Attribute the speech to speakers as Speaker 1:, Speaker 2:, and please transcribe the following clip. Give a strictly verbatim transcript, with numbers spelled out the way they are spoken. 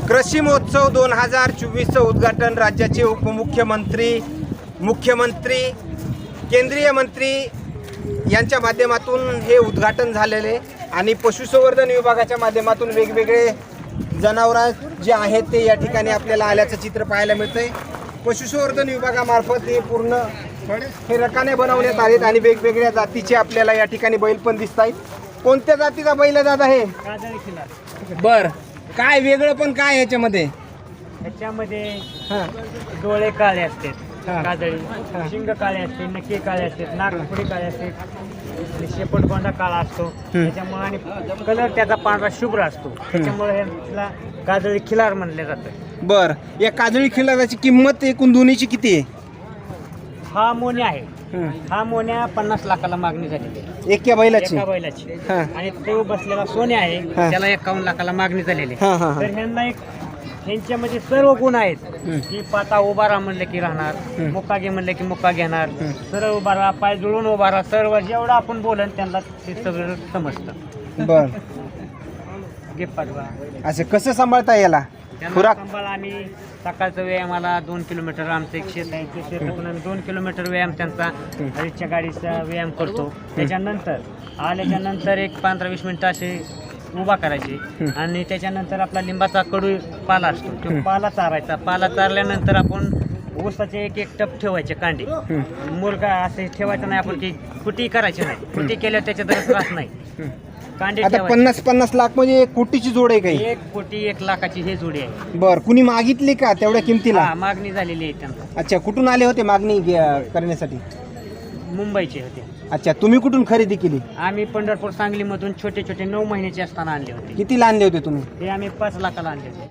Speaker 1: कृषी महोत्सव दोन हजार चोवीसचं उद्घाटन राज्याचे उपमुख्यमंत्री, मुख्यमंत्री, केंद्रीय मंत्री यांच्या माध्यमातून हे उद्घाटन झालेले आणि पशुसंवर्धन विभागाच्या माध्यमातून वेगवेगळे जनावरं जे आहेत ते या ठिकाणी आपल्याला आल्याचं चित्र पाहायला मिळतंय। पशुसंवर्धन विभागामार्फत हे पूर्ण हे रकाने बनवण्यात आलेत आणि वेगवेगळ्या जातीचे आपल्याला या ठिकाणी बैल पण दिसत आहेत। कोणत्या जातीचा बैल दादा हे?
Speaker 2: काजळी खिलार।
Speaker 1: बर, काय वेगळं पण काय ह्याच्यामध्ये?
Speaker 2: ह्याच्यामध्ये
Speaker 1: हां
Speaker 2: डोळे काळे असतात,
Speaker 1: हा.
Speaker 2: काजळी शिंग काळे असते, नक्की काळे असते, नागपुडी काळे असते आणि शेपटगोंडा काळा असतो त्याच्यामुळे आणि कलर त्याचा पांढरा शुभ्र असतो त्याच्यामुळे ह्याला काजळी खिलार म्हणले जातं।
Speaker 1: बर, या काजळी खिलाराची किंमत एकूण दोन्हीची किती आहे?
Speaker 2: हा मोन्या आहे, हा मोन्या पन्नास लाखाला मागणी झालेली आहे
Speaker 1: एका बैलाची?
Speaker 2: एका बैलाची।
Speaker 1: हा.
Speaker 2: आणि तो बसलेला सोन्या आहे
Speaker 1: हा.
Speaker 2: त्याला एकावन्न लाखाला मागणी झालेली
Speaker 1: हा, हा,
Speaker 2: आहे।
Speaker 1: हा.
Speaker 2: तर ह्यांना एक ह्यांच्यामध्ये सर्व गुण आहेत की पाता उभा राहा म्हणलं की राहणार, मुक्का घे म्हणलं की मुक्का घेणार, सरळ उभा राहा, पाय जुळून उभा राहा, सर्व जेवढं आपण बोलन त्यांना ते सगळं समजतं।
Speaker 1: बर,
Speaker 2: घे पाठवा
Speaker 1: असं कसं सांभाळता याला?
Speaker 2: त्यांना
Speaker 1: खुराक?
Speaker 2: सांभाळ आम्ही सकाळचा व्यायामाला दोन किलोमीटर आमचं एक शेत आहे, ते शेतातून आम्ही दोन किलोमीटर व्यायाम त्यांचा रिक्षा गाडीचा व्यायाम करतो। त्याच्यानंतर आल्याच्या नंतर एक पंधरा वीस मिनिटं असे उभा करायचे आणि त्याच्यानंतर आपला लिंबाचा कडू पाला असतो तो पाला चारायचा। पाला चारल्यानंतर आपण ऊसाचे एक एक टप ठेवायचे कांडे, मुलगा असे ठेवायचं नाही आपण, की कुटी करायची नाही, कुटी केल्यावर त्याच्यात त्रास नाही, कांडे
Speaker 1: आता
Speaker 2: ठेवायचे।
Speaker 1: पन्नास पन्नास लाख म्हणजे एक कोटीची जोड आहे काही?
Speaker 2: एक कोटी एक लाखाची हे जोडी आहे।
Speaker 1: बर, कुणी मागितली का तेवढ्या किमतीला?
Speaker 2: हा, मागणी झालेली आहे त्यांना।
Speaker 1: अच्छा, कुठून आले होते मागणी घे- करण्यासाठी?
Speaker 2: मुंबईचे होते।
Speaker 1: अच्छा, तुम्ही कुठून खरेदी केली?
Speaker 2: आम्ही पंढरपूर सांगलीमधून छोटे छोटे नऊ महिन्याचे असताना आणले होते।
Speaker 1: कितीला आणले होते तुम्ही?
Speaker 2: ते आम्ही पाच लाखाला आणले होते।